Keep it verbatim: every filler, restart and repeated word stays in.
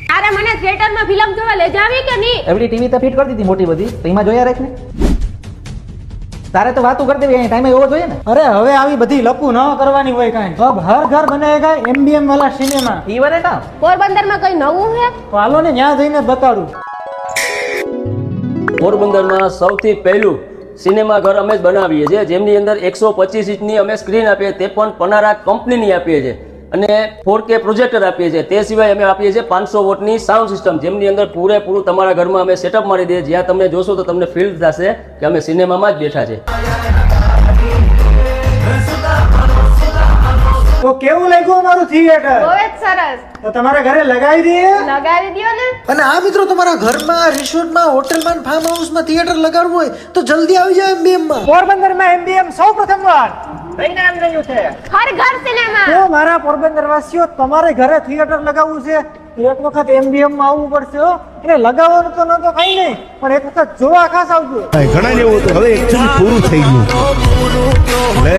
તારે મને થિયેટરમાં ફિલ્મ જોવા લઈ જાવી કે નહીં? એવડી ટીવી તો ફિટ કરી દીધી મોટી બધી, તો એમાં જોયા રાખ ને. તારે તો વાતું કરી દેવી, ટાઈમે એવો જોઈએ ને. અરે હવે આવી બધી લપુ ન કરવાની હોય કાંઈ. અબ હર ઘર બનેગા એમબીએમ વાલા સિનેમા. ઈ વરે કામ પોરબંદરમાં કઈ નવું છે? તો હાલો ને ત્યાં જઈને બતાડું. પોરબંદરમાં સૌથી પહેલું સિનેમા ઘર અમે જ બનાવીએ છીએ, જેમની અંદર એકસો પચીસ ઇંચની અમે સ્ક્રીન આપીએ, તે પણ પનારા કંપનીની આપીએ છીએ, અને ફોર કે પ્રોજેક્ટર આપીએ છીએ. તે સિવાય અમે આપીએ છીએ પાંચસો વોટની સાઉન્ડ સિસ્ટમ, જેમની અંદર પૂરેપૂરું તમારા ઘરમાં અમે સેટઅપ મારી દઈએ. જ્યાં તમને જોશો તો તમને ફીલ થશે કે અમે સિનેમામાં જ બેઠા છે. તો કેવું લાગ્યું અમારું થિયેટર? બહુ જ સરસ. તો તમારા ઘરે લગાવી દઈએ. લગાવી દ્યો ને. અને આ મિત્રો તમારા ઘરમાં, રિસોર્ટમાં, હોટલમાં, ફાર્મ હાઉસમાં થિયેટર લગાડવું હોય તો જલ્દી આવી જાવ એમબીએમ માં. પોરબંદરમાં એમબીએમ સૌ પ્રથમ વાર કઈ નામ રહ્યું છે. હર ઘર સિનેમા. તો મારા પોરબંદર વાસીઓ, તમારે ઘરે થિયેટર લગાવવું છે, એક વખત એમબીએમ માં આવવું પડશે હો. એટલે લગાવવાનું તો ન તો કઈ નહીં, પણ એક વખત જોવા ખાસ આવજો. ઘણા જેવું હતું, હવે એકચ્યુઅલી પૂરું થઈ ગયું.